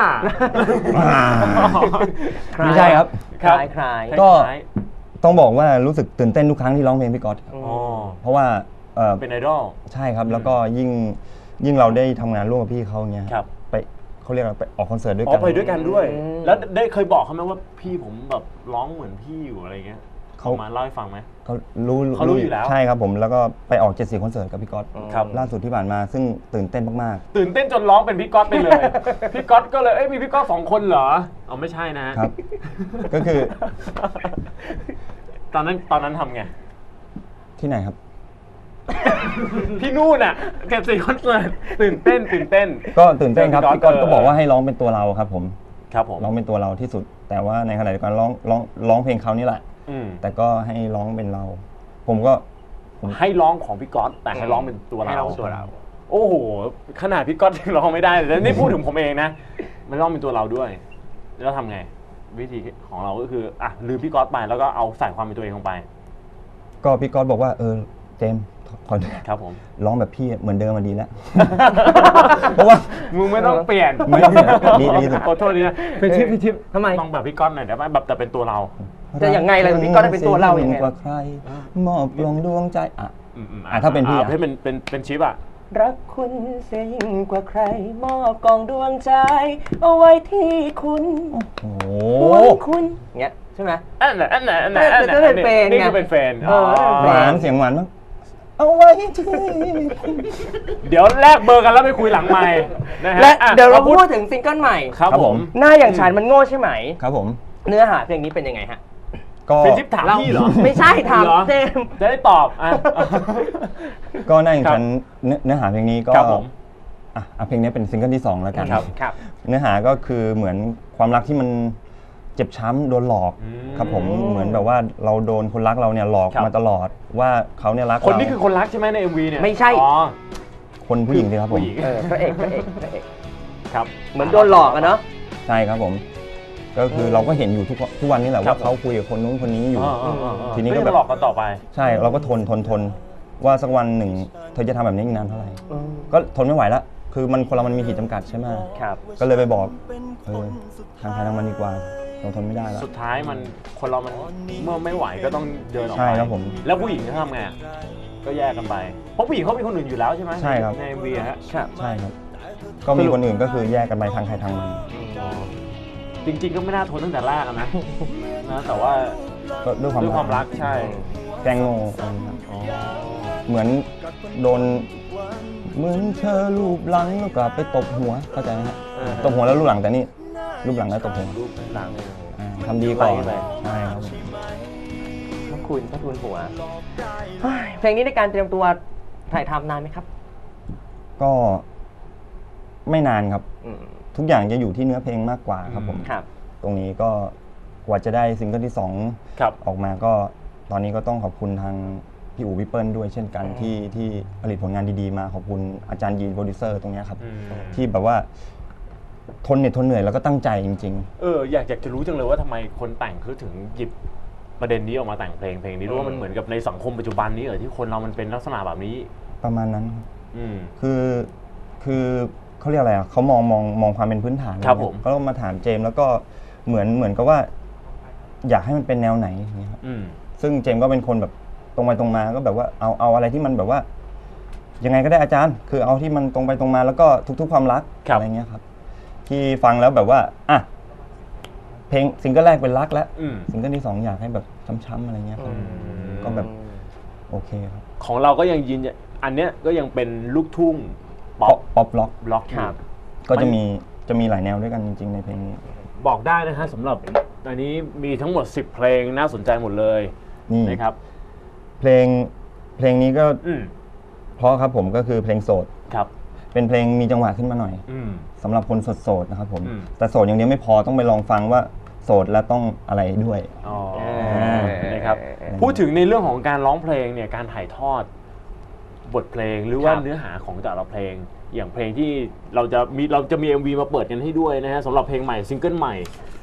D: ไม่ใช่ครับ
E: คล้ายคล้าย
D: ก็ ต้องบอกว่ารู้สึกตื่นเต้นทุกครั้งที่ร้องเพลงพี่ก๊อตครับ
C: อ๋อ
D: เพราะว่า
C: เป็นไอดอล
D: ใช่ครับ แล้วก็ยิ่งเราได้ทำงานร่วมกับพี่เขาเงี้ย
C: ครับ
D: ไปเขาเรียกอะไรไปออกคอนเสิร์ตด้วย
C: อ๋
D: กั
C: อน ไปด้วยกันด้วย แล้วได้เคยบอกเขาไหมว่าพี่ผมแบบร้องเหมือนพี่อยู่อะไรเงี้ยเขามาเล่าให้ฟังไหม
D: เขารู้
C: เขารู้อยู่แล้ว
D: ใช่ครับผมแล้วก็ไปออก74คอนเสิร์ตกับพี่ก๊อต
C: ครับ
D: ล่าสุดที่ผ่านมาซึ่งตื่นเต้นมาก
C: ตื่นเต้นจนร้องเป็นพี่ก๊อตไปเลย พี่ก๊อตก็เลยมีพี่ก๊อต2 คนเหรอเอาไม่ใช่นะ
D: ๆครับ ก็คือ
C: ตอนนั้นทำไง
D: ที่ไหนครับ
C: ที่นู่นอ่ะแก4 คอนเสิร์ตตื่นเต้น
D: ก็ตื่นเต้นครับ
C: พี่
D: พี่
C: ก๊
D: ก๊
C: อ
D: อ
C: ต
D: ตก็บอกว่าให้ร้องเป็นตัวเราครับผม
C: ครับผม
D: ร้องเป็นตัวเราที่สุด แต่ว่าในขณะเดียวกันร้องเพลงเขานี่แหละ
C: อืม
D: แต่ก็ให้ร้องเป็นเรา ผมก็
C: ให้ร้องของพี่ก๊อตแต่ให้ร้องเป็นตัว
E: ให้
C: เรา
E: เราเป็นตัวเรา
C: โอ้โหขนาดพี่ก๊อตยังร้องไม่ได้เลยแล้วนี่พูดถึงผมเองนะไม่ร้องเป็นตัวเราด้วยแล้วทำไง วิธีของเราก็คืออ่ะลืมพี่ก๊อตไปแล้วก็เอาใส่ความเป็นตัวเองลงไป
D: ก็พี่ก๊อตบอกว่าเจมส์ขอ
C: ครับผม
D: ร้องแบบพี่เหมือนเดิมมาดีแล้ว เพราะว่า
C: มึงไม่ต้องเปลี่ยน
D: ไม่ดีสุด
C: ขอโทษดีนะพี่ชิป
E: ทำไม
C: ต้องแบบพี่ก๊อตหน่อยได้ไหมแบบแต่เป็นตัวเรา
E: จะยังไงล่ะพี่ก๊อตเป็นตัวเราอย่างไง
D: กว่าใคร มอบลงดวงใจอ่ะ
C: ถ้า
D: ถ้าเป็นพี่อ่ะ
C: ให้เป็นชิปอ่ะ
E: รักคุณเสียยิ่งกว่าใคร มอบกองดวงใจ เอาไว้ที่คุณ
D: โอ้โห
E: ห่วงคุณเงี้ยใช่ไหม
C: อันไหน
E: จะเป็นแฟนไง
C: นี่คือเป็นแฟน
D: หวานเสียงหวานมากเอาไว้ที่คุณ
C: เดี๋ยวแลกเบอร์กันแล้วไปคุยหลังไมค์นะฮะ
E: และ
C: อ่ะ
E: เดี๋ยวเราพูดถึงซิงเกิลใหม่
C: ครับผม
E: หน้าอย่างฉันมันโง่ใช่ไหม
D: ครับผม
E: เนื้อหาเพลงนี้เป็นยังไงฮะ
D: ก็
C: เป็นชิปถามพี่เหรอ
E: ไม่ใช่ถาม
C: เหรอ
E: เจมส์
C: จะได้ตอบอ่ะ
D: ก็ในฉันเนื้อหาเพลงนี้ก็
C: ครับผม
D: เพลงนี้เป็นซิงเกิลที่2แล้วกัน
C: ครับ
E: ครับ
D: เนื้อหาก็คือเหมือนความรักที่มันเจ็บช้ำโดนหลอก
C: อืม
D: ครับผมเหมือนแบบว่าเราโดนคนรักเราเนี่ยหลอก
C: ครับ
D: มาตลอดว่าเขาเนี่ยรัก
C: คน
D: เรา
C: นี้คือคนรักใช่ไหมใน MV เนี่ย
E: ไม่ใช่
C: อ๋อ
D: คนผู้หญิงสิครับผม
C: ผู้หญิง
E: พระเอก
C: ครับ
E: เหมือนโดนหลอกอะเนาะ
D: ใช่ครับผม ก็คือเราก็เห็นอยู่ทุกวันนี้แหละ
C: ครั
D: ว่า
C: บ
D: เขาคุยกับคนนู้นคนนี้อยู่ ที
C: ที
D: นี้
C: นี้
D: ก็
C: ก็
D: แบบ
C: หลอกกันต่อไป
D: ใช่เราก็ทนว่าสักวันหนึ่งเธอจะทำแบบนี้อีกนานเท่าไหร่ก็ทนไม่ไหวแล้วคือมันคนเรามันมีขีดจำกัดใช่ไหม
E: ครับ
D: ก็เลยไปบอกทางใครทางมันดีกว่าเราทนไม่ได้แล้ว
C: สุดท้ายมันคนเรามันเมื่อไม่ไหวก็ต้องเดินออกไป
D: ใช่ครับผม
C: แล้วผู้หญิงเขาทำไงอะก็แยกกันไปเพราะผู้หญิงเขามีคนอื่นอยู่แล้วใช่ไหม
D: ใช่ครับ
C: ใน MV ฮะ
E: ครับ
D: ใช่ครับ ก็มีคนอื่นก็คือแยกกันไปทางใครทางมัน
C: จริงๆก็ไม่น่าทนตั้งแต่แรกอะนะ แต่ว่า
D: ก็ด้วยความ
C: ด้วยความรักใช่
D: แกล้งโง่อะไรอย่างเงี้ยเหมือนโดนเหมือนเธอรูปหลังแล้วก็ไปตบหัวเข้าใจไหมฮะ ตบหัวแล้วรูปหลังแต่นี่รูปหลังแล้วตบหัว
C: รูปหลัง
D: ทำดีกว่า
C: ไล่ไป
D: ใช่ครับผม
E: พระคุณหัวเฮ้ยเพลงนี้ในการเตรียมตัวถ่ายทำนานไหมครับ
D: ก็ไม่นานครับ
E: อืม
D: ทุกอย่างจะอยู่ที่เนื้อเพลงมากกว่าครับผม
E: ครับ
D: ตรงนี้ก็กว่าจะได้ซิงเกิลที่2
C: ครับ
D: ออกมาก็ตอนนี้ก็ต้องขอบคุณทางพี่อู๋พี่เปิ้ลด้วยเช่นกันที่ผลิตผลงานดีๆมาขอบคุณอาจารย์ยีนโปรดิวเซอร์ตรงเนี้ยครับ ที่แบบว่าทนเหน็ดทนเหนื่อยแล้วก็ตั้งใจจริง
C: อยากจะรู้จังเลยว่าทำไมคนแต่งเขาถึงหยิบประเด็นนี้ออกมาแต่งเพลงนี้รู้ว่ามันเหมือนกับในสังคมปัจจุบันนี้ที่คนเรามันเป็นลักษณะแบบนี้
D: ๆ ประมาณนั้นครับ
C: อืม
D: คือเขาเรียกอะไรอ่ะเขามองความเป็นพื้นฐาน
C: ครับผม
D: ก็มาถามเจมส์แล้วก็เหมือนกับว่า อยากให้มันเป็นแนวไหนอย่างเงี้ยครับ
C: อืม
D: ซึ่งเจมส์ก็เป็นคนแบบตรงไปตรงมาก็แบบว่าเอาอะไรที่มันแบบว่า ยังไงก็ได้อาจารย์ คือเอาที่มันตรงไปตรงมาแล้วก็ทุกๆความรัก
C: ครับ
D: อะไรเงี้ยครับ ที่ฟังแล้วแบบว่าอ่ะเพลงซิงเกิลแรกเป็นรักแล้ว
C: อืม
D: ซิงเกิลที่2อยากให้แบบช้ำๆอะไรเงี้ยครับก็แบบโอเคครับ
C: ของเราก็ยังยืนยันอันเนี้ยก็ยังเป็นลูกทุ่งป๊อป
D: ป๊อปล็อก
C: บล็อกอ
E: ครั
C: ยู่
E: บ
D: ก็จะมีหลายแนวด้วยกันจริงๆในเพลงนี้
C: บอกได้นะฮะสำหรับอันนี้มีทั้งหมด10เพลงน่าสนใจหมดเลย
D: นี่
C: นะครับ
D: เพลงนี้ก็
C: อืม
D: เพราะครับผมก็คือเพลงโสด
C: ครับ
D: เป็นเพลงมีจังหวะขึ้นมาหน่อย
C: อืม
D: สำหรับคนโสดๆนะครับผม
C: อืม
D: แต่โสดอย่างเดียวไม่พอต้องไปลองฟังว่าโสดแล้วต้องอะไรด้วย
C: อ๋อ
E: อ
C: นะครับ พูดถึงในเรื่องของการร้องเพลงเนี่ยการถ่ายทอดบทเพลงหรือว่า
E: ครับ
C: เนื้อหาของแต่ละเพลง อย่างเพลงที่เราจะมี MV มาเปิดกันให้ด้วยนะฮะสำหรับเพลงใหม่ซิงเกิลใหม่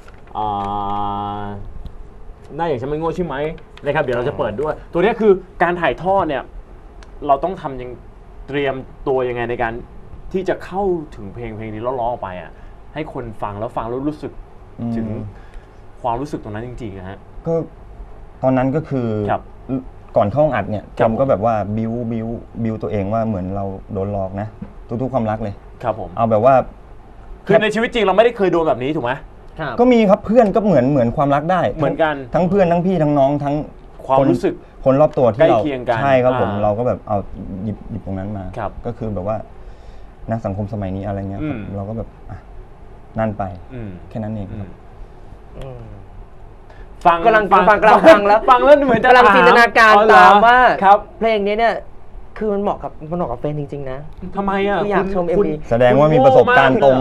C: หน้าอย่างฉันไม่โง่ใช่ไหมนะครับเดี๋ยวเราจะเปิดด้วย ตัวเนี้ยคือการถ่ายทอดเนี่ยเราต้องทำยังเตรียมตัวยังไงในการที่จะเข้าถึงเพลงนี้แล้วร้องออกไปอ่ะให้คนฟังแล้วรู้สึก
D: อืม
C: ถึงความรู้สึกตรงนั้นจริงๆนะฮะ
D: ก็ตอนนั้นก็คือ
C: ครับ
D: ก่อนเข้าห้องอัดเนี่ย
C: ครับ
D: จำก็แบบว่าบิวตัวเองว่าเหมือนเราโดนหลอกนะทุกๆความรักเลย
C: ครับผม
D: เอาแบบว่า
C: คือในชีวิตจริงเราไม่ได้เคยโดนแบบนี้ถูกไหม
E: ครับ
D: ก็มีครับเพื่อนก็เหมือนความรักได้
C: เหมือนกัน
D: ทั้งเพื่อนทั้งพี่ทั้งน้องทั้ง
C: ความรู้สึก
D: คนรอบตัวที่เรา
C: ใกล้เคียงกัน
D: ใช่ครับผม
C: อ่า
D: เราก็แบบเอาหยิบตรงนั้นมา
C: ครับ
D: ก็คือแบบว่านักสังคมสมัยนี้อะไรเงี้ยครับ
C: อืม
D: เราก็แบบอ่ะนั่นไป
C: อืม
D: แค่นั้นเอง
C: อื
D: ครั
C: ม
D: บ
E: อืม
C: ฟัง
E: กำลังฟังแล้ว
C: เหมือนจะ
E: กำลังจินตนาการ
C: อ๋อเหรอ
E: ตามว่า
C: ครับ
E: เพลงนี้เนี่ยคือมันเหมาะกับเฟนจริงๆนะ
C: ทำไมอ่ะ
E: คืออยากชม
C: คุณ
E: MV
D: แสดงว่ามีประสบการณ์ตรง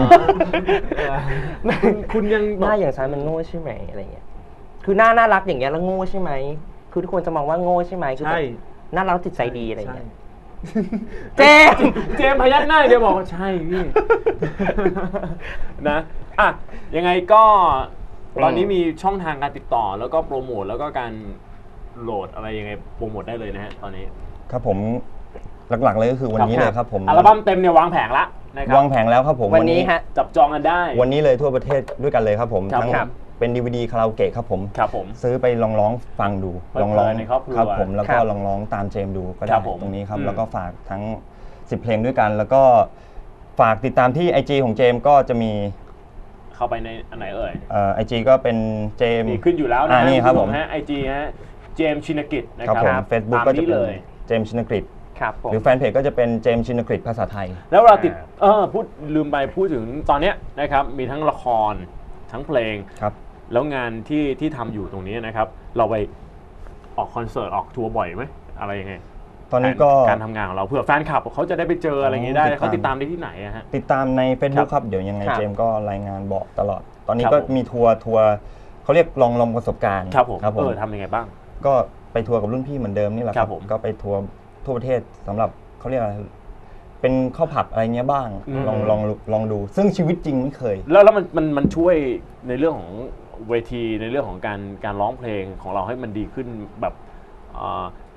C: คุณยัง
E: หน้าอย่างฉันมันโง่ใช่ไหมอะไรเงี้ยคือหน้าน่ารักอย่างเงี้ยแล้วโง่ใช่ไหมคือทุกคนจะมองว่าโง่ใช่ไหมคือ
C: ใช่
E: แบบน่ารักจิตใจดีอะไรเงี้ย
C: เจเจมส์พยักหน้าเดี๋ยวบอกว่าใช่พี่ นะอ่ะยังไงก็ตอนนี้มีช่องทางการติดต่อแล้วก็โปรโมทแล้วก็การโหลดอะไรยังไงโปรโมทได้เลยนะฮะตอนนี้
D: ครับผมหลักๆเลยก็คือวันนี้เลยครับผม
C: อัลบั้มเต็มเนี่ยวางแผงละนะครับ
D: วางแผงแล้วครับผม
E: วันนี้ฮะ
C: จับจองกันได้
D: วันนี้เลยทั่วประเทศด้วยกันเลยครับผม
C: ครับ
D: ทั้ง
C: ครับ
D: เป็น DVD คาราโอเกะครับผม
C: ครับผม
D: ซื้อไปลองร้องฟังดู
C: เปิด
D: ลองร้อง
C: เผยในครอบครัว
D: ครับผมแล้ว
E: ครั
D: ก็
E: บ
D: ลองร้องตามเจมส์ดูก็
C: ค
D: ได้
C: รับผม
D: ตรงนี้ครับ
C: อืม
D: แล้วก็ฝากทั้ง10เพลงด้วยกัน แล้วก็ฝากติดตามที่ IG ของเจมส์ก็จะมี
C: เข้าไปในอันไหนเอ่ย
D: IG ก็เป็นเจมส์
C: มีขึ้นอยู่แล้วนะ
D: นี่ครับผม
C: ฮะไอจีฮะเจมส์ชินกิจนะ
D: ค
C: ค
D: รั
C: รั
D: บบ ผม Facebook
C: ตาม
D: ก็จะ
C: นี้
D: เป็น
C: เลย
D: เจมส์ชินกฤษ
E: ครับผม
D: หรือแฟนเพจก็จะเป็นเจมส์ชินกฤษภาษาไทย
C: แล้วเราติดลืมไปพูดถึงตอนเนี้ยนะครับมีทั้งละครทั้งเพลง
D: ครับ
C: แล้วงานที่ทำอยู่ตรงนี้นะครับ เราไปออกคอนเสิร์ตออกทัวร์บ่อยไหมอะไรยังไง
D: ตอนนี้ก็
C: การทำงานของเราเผื่อแฟนคลับเขาจะได้ไปเจออะไรอย่างงี้ได้
D: ติดตาม
C: เขาติดตามได้ที่ไหนอะฮะ
D: ติดตามใน Facebook ครับเดี๋ยวยังไง
E: ครับ
D: เจมส์ก็รายงานบอกตลอด ตอนนี้
C: ครับ
D: ก็
C: ผม
D: มีทัวร์เขาเรียกลองประสบการณ์
C: ครับผม
D: ครับผม
C: ทำยังไงบ้าง
D: ก็ไปทัวร์กับรุ่นพี่เหมือนเดิมนี่แหละ
C: ครับผม
D: ก็ไปทัวร์ทั่วประเทศสำหรับเขาเรียกอะไรเป็นข้าวผับอะไรเงี้ยบ้าง
C: อืม
D: ลองดู ซึ่งชีวิตจริงไม่เคย
C: แล้วมันช่วยในเรื่องของเวทีในเรื่องของการร้องเพลงของเราให้มันดีขึ้นแบบ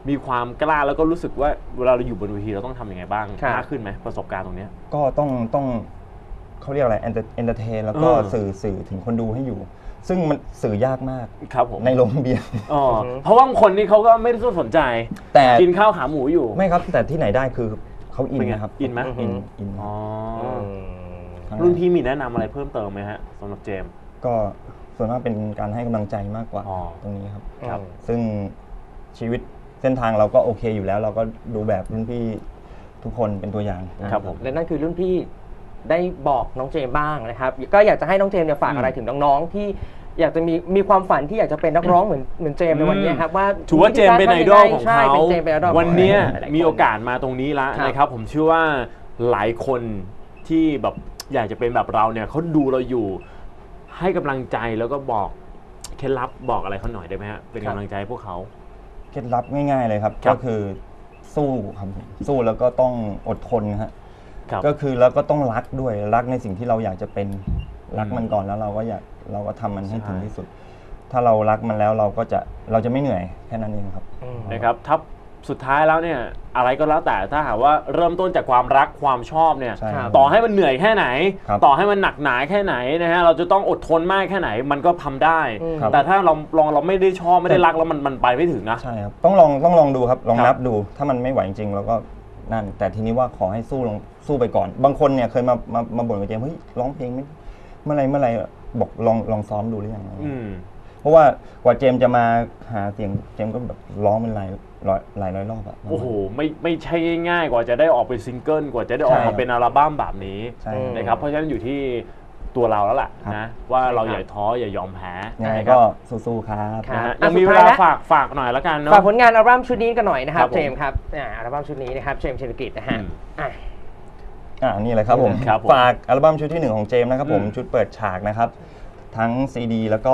C: มีความกล้าแล้วก็รู้สึกว่าเวลาเราอยู่บนเวทีเราต้องทำยังไงบ้าง
E: ครับ
C: มากขึ้นไหมประสบการณ์ตรงเนี้ย
D: ก็ต้องเขาเรียกอะไรเอนเตอร์เทนแล้วก็สื่อถึงคนดูให้อยู่ ซึ่งมันสื่อยากมาก
C: ครับผม
D: ในโรงเบียร์
C: อ๋อเพราะว่าบางคนนี่เขาก็ไม่ได้สนใจ
D: แต่
C: กินข้าวขาหมูอยู่
D: ไม่ครับแต่ที่ไหนได้คือเขาอิน
C: เป็นไง
D: นะครับ
C: อินไหม
D: อิน
C: อ๋อ
D: ทั้ง
C: รุ่นพี่มีแนะนำอะไรเพิ่มเติมไหมฮะสำหรับเจมส์
D: ก็ส่วนมากเป็นการให้กำลังใจมากกว่า
C: อ๋อ
D: ตรงนี้ครับ
E: ครับ
D: ซึ่งชีวิตเส้นทางเราก็โอเคอยู่แล้ว เราก็ดูแบบรุ่นพี่ทุกคนเป็นตัวอย่าง
C: ครับผม
E: และนั่นคือรุ่นพี่ได้บอกน้องเจมส์บ้างนะครับ ก็อยากจะให้น้องเจมส์เนี่ยฝากอะไรถึงน้องๆที่อยากจะมีความฝันที่อยากจะเป็นนักร้องเหมือนเจมส์ในวันนี้ครับว่า
C: ถือว่าเจมส์เป็นไอดอลของ
E: ใช่
C: เขา
E: เป็นเจมส์เป็นไอดอลของ
C: วันเนี้ย
E: หลายๆคน
C: มีโอกาสมาตรงนี้แล้ว
E: ครับ
C: นะครับ ผมเชื่อว่าหลายคนที่แบบอยากจะเป็นแบบเราเนี่ยเขาดูเราอยู่ ให้กำลังใจแล้วก็บอกเคล็ดลับบอกอะไรเขาหน่อยได้ไหมฮะเป็นกำลังใจให้พวกเขา
D: เคล็ดลับง่ายๆเลยครับ
C: ครับ
D: ก็คือสู้ครับสู้แล้วก็ต้องอดทนฮะ
C: ครับ
D: ก็คือแล้วก็ต้องรักด้วยรักในสิ่งที่เราอยากจะเป็นรักมันก่อนแล้วเราก็ทำมันให้ถึงที่สุด ถ้าเรารักมันแล้วเราจะไม่เหนื่อยแค่นั้นเองครับ
C: นะครับถ้าสุดท้ายแล้วเนี่ยอะไรก็แล้วแต่ถ้าหากว่าเริ่มต้นจากความรักความชอบเนี่ย
D: ใช่ครับ
C: ต่อให้มันเหนื่อยแค่ไหน
D: ครับ
C: ต่อให้มันหนักหนาแค่ไหนนะฮะเราจะต้องอดทนมากแค่ไหนมันก็ทำได้
D: ครับ
C: แต่ถ้าเราไม่ได้ชอบไม่ได้รักแล้วมันไปไม่ถึงนะ
D: ใช่ครับต้องลองดูครับลอง
C: ครับ
D: นับดูถ้ามันไม่ไหวจริงๆเราก็นั่นแต่ทีนี้ว่าขอให้สู้ไปก่อน บางคนเนี่ยเคยมาบ่นกับเจมส์เฮ้ยร้องเพลงไม่เมื่อไหรบอกลองซ้อมดูหรือยัง เพราะว่ากว่าเจมส์จะมาหาเสียงเจมส์ก็แบบร้องเป็นหลายร้อยรอบอะ
C: โอ้โหไม่ใช่ง่ายๆกว่าจะได้ออกเป็นซิงเกิลกว่าจะได้ออก
D: ใช่ครั
C: มา
D: บ
C: เป็นอัลบั้มแบบนี้
D: ใช่
C: นะครับเพราะฉะนั้นอยู่ที่ตัวเราแล้วล่ะ
D: ครับ
C: นะว่าเราอย่าท้ออย่ายอมแพ้
D: ยังไง
C: นะค
D: ก็
C: รับ
D: สู้ๆครับ
E: ครับ
C: นะฮะ
E: อ่ะ
C: ยังมี
E: สุ
C: เว
E: ดท้าย
C: ลา
E: แล้ว
C: ฝากหน่อยแล้วกันเนาะ
E: ฝากผลงานอัลบั้มชุดนี้กันหน่อยนะครั
C: ครับ บผม
E: เจมส์ครับอัลบั้มชุดนี้นะครับเจมส์เชนกิจนะฮะ
C: อืม
E: อ่ะ
D: นี่เลยครับผม
C: ครับผม
D: ฝากอัลบั้มชุดที่ 1 ของเจมส์นะครับผม
C: อืม
D: ชุดเปิดฉากนะครับ ทั้ง CD แล้วก็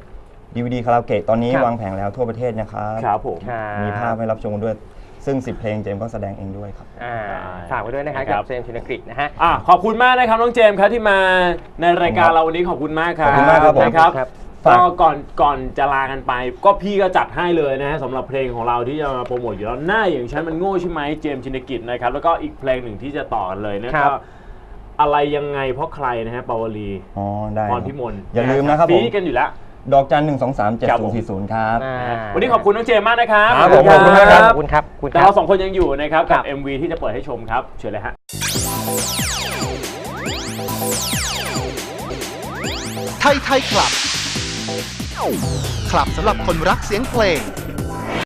D: DVD คาราโอเกะตอนนี้
E: ครับ
D: วางแผงแล้วทั่วประเทศนะครับ
C: ครับผม
D: มีภาพให้รับชมกันด้วย ซึ่ง 10 เพลงเจมส์ก็แสดงเองด้วยครับ
E: ฝากไว้ด้วยนะครับ
C: ครั
E: กับ บเจมส์เชนกิจนะฮะ
C: ขอบคุณมากนะครับน้องเจมส์ครับที่มาในรายการเราวันนี้ขอบคุณมากครับ
D: ขอบคุณมากครับผม
C: นะครับ
E: ครับ
C: ก็ก่อนจะลากันไป ก็พี่ก็จัดให้เลยนะฮะสำหรับเพลงของเราที่จะมาโปรโมทอยู่แล้วหน้าอย่างฉันมันโง่ใช่ไหมเจมส์ชินกิจนะครับแล้วก็อีกเพลงหนึ่งที่จะต่อกันเลยนะ
E: ค
C: ค
E: รั
C: รับ บอะไรยังไงเพราะใครนะฮะปาวลี
D: อ๋อได้
C: พรพิมล
D: อย่าลืมนะครับผม
C: ฟีกันอยู่แล้ว
D: ดอกจัน 123
C: ครับผม
D: 7040 ครับ
C: วันนี้ขอบคุณน้องเจมส์มากนะครับ
D: ครับผมขอบคุณมากครับ
E: ขอบคุณครับขอบคุณค
C: แต่
E: รับ
C: เราสองคนยังอยู่นะครับ
E: ครั
C: กับ บ MV ที่จะเปิดให้ชมครับเชิญเลยฮะ
A: ไทยคลับ คลับสำหรับคนรักเสียงเพลง